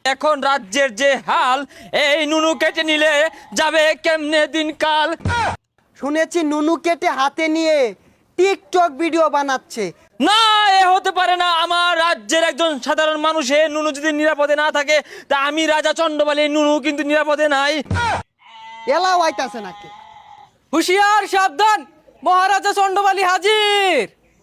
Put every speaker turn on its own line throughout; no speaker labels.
এখন রাজ্যের যে হাল, এই নুনু কেটে নিলে যাবে কেমনে দিনকাল।
শুনেছি নুনু কেটে হাতে নিয়ে টিকটক ভিডিও বানাচ্ছে।
না, এ হতে পারে না। আমার রাজ্যের একজন সাধারণ মানুষের নুনু যদি নিরাপদে না থাকে, তা আমি রাজা চন্ডবালী নুনু কিন্তু নিরাপদে নাই।
এলাও আইতাছে নাকি?
হুশিয়ার, সাবধান, মহারাজা চন্ডবালী হাজির।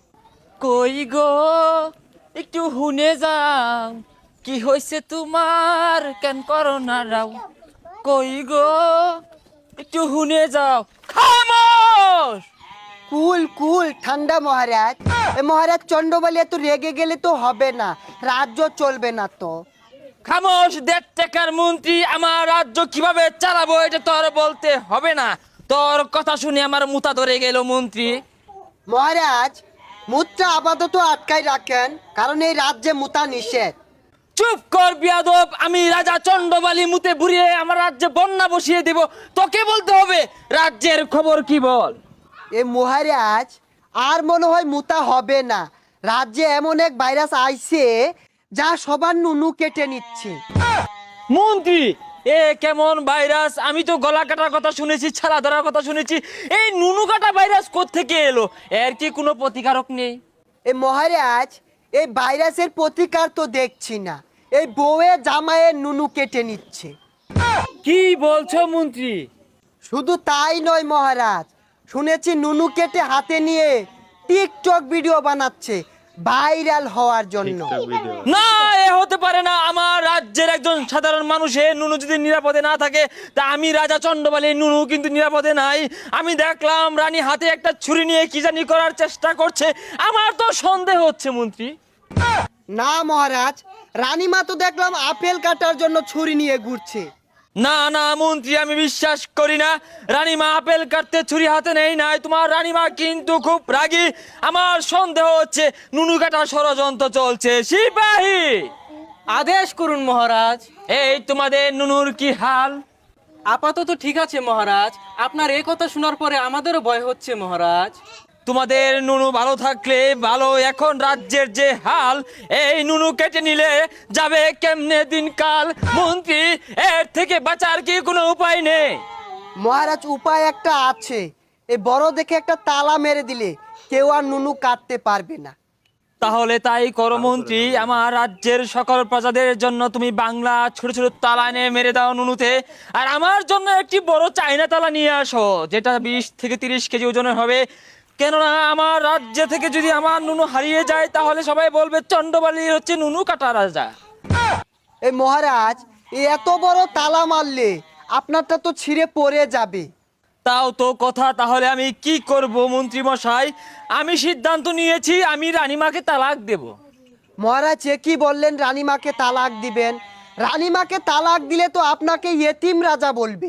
কই গো, একটু হুনে যাও, কি হয়েছে তোমার, কেন করো না রাও। কই গো, একটু হুনে যাও। খামোশ।
কুল কুল ঠান্ডা মহারাজ। এ মহারাজ চন্ডবালী এত রেগে গেলে তো হবে না, রাজ্য চলবে না তো।
খামোশ, 1.5 টাকার মন্ত্রী, আমার রাজ্য কিভাবে চালাবো এটা তোর বলতে হবে না। তোর কথা শুনে আমার মুতা ধরে গেল মন্ত্রী।
মহারাজ মুদ্রা আপাতত আটকাই রাখেন, কারণ এই রাজ্যে মুতা নিষেধ।
চুপ কর বিয়াদব, আমি রাজা চন্ডবালী মুতে বুড়িয়ে আমার রাজ্যে বন্যা বসিয়ে দেব। তোকে বলতে হবে রাজ্যের খবর কি বল।
এ মহারাজ আর মনে হয় মুতা হবে না, রাজ্যে এমন এক ভাইরাস আইছে যা সবার নুনু কেটে নিচ্ছে।
মন্ত্রী, এ কেমন ভাইরাস? আমি তো গলা কাটার কথা শুনেছি, ছালা ধরার কথা শুনেছি, এই নুনু কাটা ভাইরাস কোত্থেকে এলো? এর কি কোনো প্রতিকারক নেই?
এ মহারাজ এই ভাইরাসের প্রতিকার তো দেখছি না, এই বউয়ে জামাইয়ের নুনু কেটে নিচ্ছে।
কি বলছো মন্ত্রী?
শুধু তাই নয় মহারাজ, শুনেছি নুনু কেটে হাতে নিয়ে টিকটক ভিডিও বানাচ্ছে ভাইরাল হওয়ার জন্য।
না, এ হতে পারে না। আমার রাজ্যের একজন সাধারণ মানুষের নুনু যদি নিরাপদে না থাকে, তা আমি রাজা চন্ডবালী নুনু কিন্তু নিরাপদে নাই। আমি দেখলাম রানী হাতে একটা ছুরি নিয়ে কি জানি করার চেষ্টা করছে। আমার তো সন্দেহ হচ্ছে মন্ত্রী।
না মহারাজ, রানীমা তো দেখলাম আপেল কাটার জন্য ছুরি নিয়ে ঘুরছে।
না না মন্ত্রী, আমি বিশ্বাস করি না। রানীমা আপেল কাটতে ছুরি হাতে নেই নাই। তোমার রানীমা কিন্তু খুব রাগী। আমার সন্দেহ হচ্ছে নুনু কাটা ষড়যন্ত্র চলছে। সিপাহী,
আদেশ করুন মহারাজ।
এই তোমাদের নুনুর কি হাল?
আপাতত ঠিক আছে মহারাজ, আপনার এই কথা শোনার পরে আমাদেরও ভয় হচ্ছে মহারাজ।
তোমাদের নুনু ভালো থাকলে ভালো। এখন রাজ্যের যে হাল, এই নুনু কেটে নিলে যাবে কেমনে দিনকাল। মন্ত্রী, এর থেকে বাঁচার কি কোনো উপায় নেই?
মহারাজ উপায় একটা আছে, এই বড় দেখে একটা তালা মেরে দিলে কেউ আর নুনু কাটতে পারবে না।
তাহলে তাই করো মন্ত্রী। আমার রাজ্যের সকল প্রজাদের জন্য তুমি বাংলা ছোট ছোট তালা এনে মেরে দাও নুনুতে। আর আমার জন্য একটি বড় চাইনা তালা নিয়ে আসো, যেটা 20 থেকে 30 কেজি ওজনের হবে। কেননা আমার রাজ্য থেকে যদি আমার নুনু হারিয়ে যায়, তাহলে সবাই বলবে চন্ডবালী হচ্ছে নুনু কাটা রাজা।
এই মহারাজ এই এত বড় তালা মারলে আপনারটা তো ছিঁড়ে পড়ে যাবে।
তাও তো কথা। তাহলে আমি কি করব মন্ত্রী মশাই? আমি সিদ্ধান্ত নিয়েছি, আমি রানীমাকে তালাক দেব।
মহারাজ এ কি বললেন, রানীমাকে তালাক দিবেন? রানীমাকে তালাক দিলে তো আপনাকে ইয়েতিম রাজা বলবে।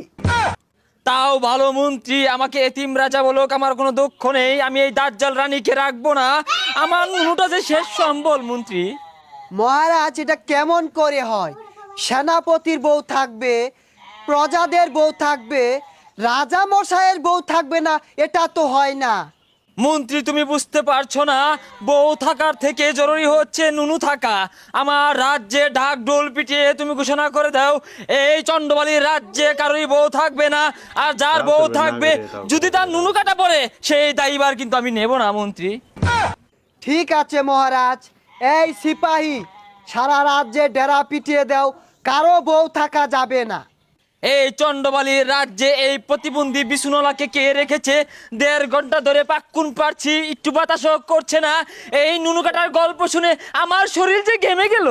তাও ভালো মন্ত্রী, আমাকে এতিম রাজা বলুক, আমার কোনো দুঃখ নেই। আমি এই দাজ্জাল রানীকে রাখবো না। আমার নুনুটা যে শেষ সম্বল মন্ত্রী।
মহারাজ এটা কেমন করে হয়? সেনাপতির বউ থাকবে, প্রজাদের বউ থাকবে, রাজা মশাইয়ের বউ থাকবে না, এটা তো হয় না।
মন্ত্রী, তুমি বুঝতে পারছো না? বউ থাকার থেকে জরুরি হচ্ছে নুনু থাকা। আমার রাজ্যে ঢাক ঢোল পিটিয়ে তুমি ঘোষণা করে দাও, এই চন্ডবালীর রাজ্যে কারোরই বউ থাকবে না। আর যার বউ থাকবে, যদি তার নুনু কাটা পড়ে, সেই দায়ীবার কিন্তু আমি নেব না মন্ত্রী।
ঠিক আছে মহারাজ, এই সিপাহী সারা রাজ্যে ডেরা পিটিয়ে দাও, কারো বউ থাকা যাবে না।
এই চন্ডবালীর রাজ্যে এই প্রতিবন্ধী বিছুনলাকে কে রেখেছে? 1.5 ঘন্টা ধরে পাক্কুন পারছি, একটু বাতাসও করছে না। এই নুনু কাটার গল্প শুনে আমার শরীর যে ঘেমে গেল।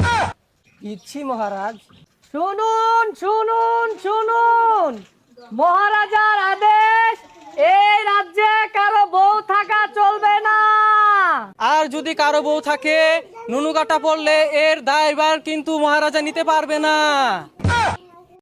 ইচ্ছি মহারাজ। শুনুন শুনুন শুনুন, মহারাজার আদেশ, এই রাজ্যে কারো বউ থাকা চলবে না। আর যদি কারো বউ থাকে, নুনু কাটা পড়লে এর দায়ভার কিন্তু মহারাজা নিতে পারবে না।